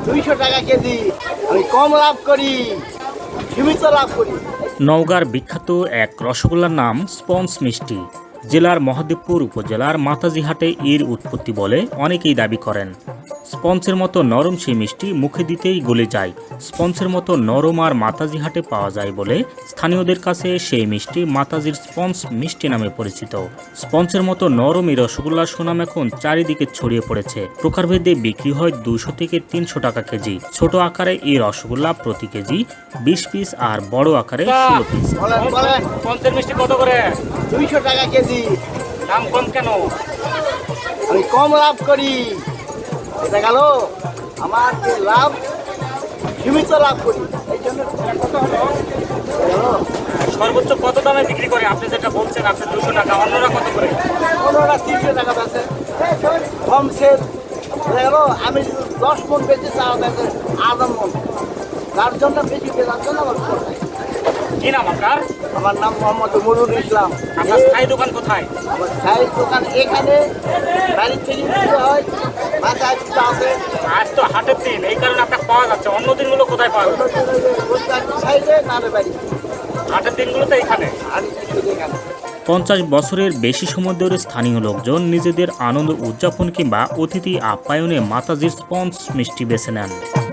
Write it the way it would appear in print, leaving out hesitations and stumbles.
200 টাকা কেজি। আমি কম লাভ করি, সীমিত লাভ করি। নওগাঁর বিখ্যাত এক রসগোল্লার নাম স্পঞ্জ মিষ্টি। জেলার মহাদেবপুর উপজেলার মাতাজিহাটে এর উৎপত্তি বলে অনেকেই দাবি করেন। স্পঞ্জের মতো নরম সেই মিষ্টি মুখে দিতেই গলে যায়। স্পঞ্জের মতো নরম আর মাতাজিহাটে পাওয়া যায় বলে স্থানীয়দের কাছে সেই মিষ্টি মাতাজির স্পঞ্জ মিষ্টি নামে পরিচিত। স্পঞ্জের মতো নরম এই রসগোল্লার সুনাম এখন চারিদিকে ছড়িয়ে পড়েছে। প্রকারভেদে বিক্রি হয় 200 থেকে 300 টাকা কেজি। ছোট আকারে এই রসগোল্লা প্রতি কেজি 20 পিস আর বড় আকারে 16 পিস। পঞ্চের মিষ্টি কত করে? 200 টাকা কেজি। দাম কম কেন? আমি কম লাভ করি। এটা গেল আমার যে লাভ, সীমিত লাভ করি, এই জন্য কত হলো? সর্বোচ্চ কত দামে বিক্রি করে? আপনি যেটা বলছেন আপনি 200 টাকা, অন্যরা কত করে? ওনারা 300 টাকা বেচে, কম সেল। এটা গেল আমি যদি 10 মন বেচি, তারা বেচে 8 মন। তার জন্য বেশি বেচার জন্য আমার খরচ হয়। কি নাম আপনার? আমার নাম মোহাম্মদ নুরুল ইসলাম। আপনার স্থায়ী দোকান কোথায়? আমার চায়ের দোকান এখানে, বাড়ির থেকে দিতে হয়, মাথায় দিতে আছে। আজ তো হাটের দিন, এই কারণে আপনার পাওয়া যাচ্ছে। অন্য দিনগুলো কোথায় পাওয়া যাচ্ছে? সাইডে নালে বাড়ি, হাটের দিনগুলোতে এখানে। আর এখানে 50 বছরের বেশি সময় ধরে স্থানীয় লোকজন নিজেদের আনন্দ উদযাপন কিংবা অতিথি আপ্যায়নে মাতাজির স্পঞ্জ মিষ্টি বেছে নেন।